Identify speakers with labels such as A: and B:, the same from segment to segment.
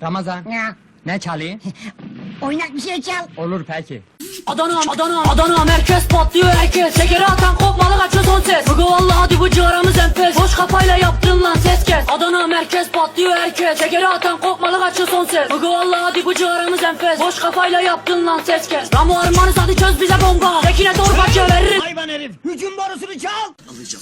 A: Ramazan,
B: Ya,
A: ne çalayım?
B: oynak bir şey çal.
A: Olur peki.
C: Adana merkez patlıyor herkes. Şekeri atan kopmalı kaçıyor son ses. Bugü vallahi hadi bu ciğaramız enfes. Boş kafayla yaptın lan ses kes. Adana merkez patlıyor herkes. Şekeri atan kopmalı kaçıyor son ses. Bugü vallahi hadi bu ciğaramız enfes. Boş kafayla yaptın lan ses kes. Ramo armanız hadi çöz bize bomba. Tekine torbacı veririz.
A: Hayvan herif, hücum borusunu çal!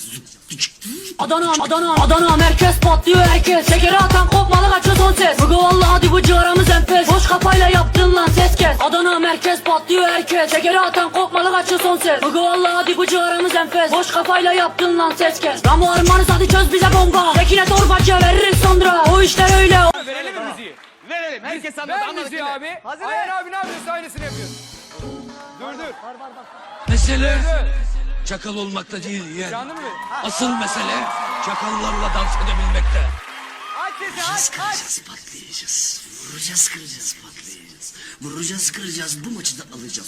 C: Adana merkez patlıyor herkes. Şekeri atan kopmalı kaçıyor son ses. Bugü vallahi hadi bu ciğaramız enfes. Boş kafayla yaptın lan ses kes. Adana merkez patlıyor herkes. Şekeri atan kopmalı kaçıyor son ses. Bugü vallahi hadi bu ciğaramız enfes. Boş kafayla yaptın lan ses kes. Ramo armanız hadi çöz bize bomba. Tekine torbacı veririz sonra. O işler öyle.
D: Verelim mi müziği?
E: Verelim. Herkes anladı.
D: Ver
E: Anladık
D: müziği
E: değil mi?
D: abi.
E: Hazır
D: Ayhan abi ne yapıyorsa aynısını yapıyor. Dur.
F: Mesele çakal olmakta değil yeğen.
D: Canlı mı?
F: Asıl mesele çakallarla dans edebilmekte.
D: Aç sesi aç.
G: Kıracağız, patlayacağız. Vuracağız, kıracağız, patlayacağız. Vuracağız, kıracağız. Bu maçı da alacağız.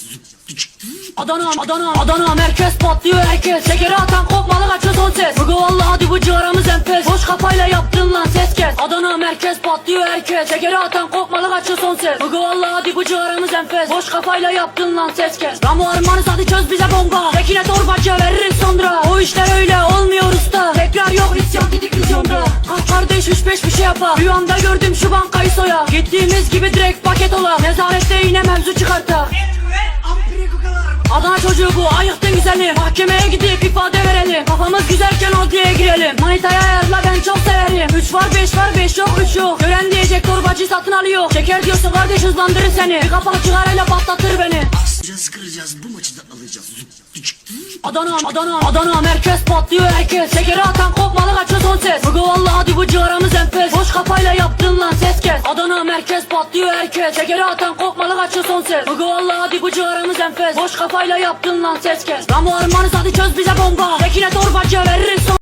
C: Adana merkez patlıyor herkes. Şekeri atan kopmalı kaçıyor son ses. Bugü vallahi hadi bu ciğaramız enfes. Boş kafayla yaptın lan ses kes. Adana merkez patlıyor herkes. Şekeri atan kopmalı kaçıyor son ses. Bugü vallahi hadi bu ciğaramız enfes. Boş kafayla yaptın lan ses kes. Ramo armanız hadi çöz bize bomba. Tekine torbacı veririz sonra. O işler öyle olmuyor usta. Tekrar yok isyan gidik vizyonda. Ah kardeş 3-5 bir şey yapar. Rüyamda gördüm şu bankayı soya. Gittiğimiz gibi direkt paket ola. Nezarette yine mevzu çıkarta. Adana çocuğu bu ayıktın güzeli. Mahkemeye gidip ifade verelim. Kafamız güzelken adliyeye girelim. Manitaya ayarla ben çok severim. 3 var 5 var 5 yok 3 yok. Gören diyecek torbacı satın alıyor. Şeker diyorsa kardeş hızlandırır seni. Bir kapak cigarayla patlatır beni.
G: Vuracağız, kıracağız. Bu maçı da alacağız.
C: Adana merkez patlıyor herkes. Şekeri atan kopmalı kaçıyor son ses. Bugü vallahi hadi bu ciğaramız enfes. Boş kafayla yaptın lan ses kes. Adana merkez patlıyor herkes. Şekeri atan kopmalı kaçıyor son ses. Bugü vallahi hadi bu ciğaramız enfes. Boş kafayla yaptın lan ses kes. Ramo armanız hadi çöz bize bomba. Tekine torbacı veririz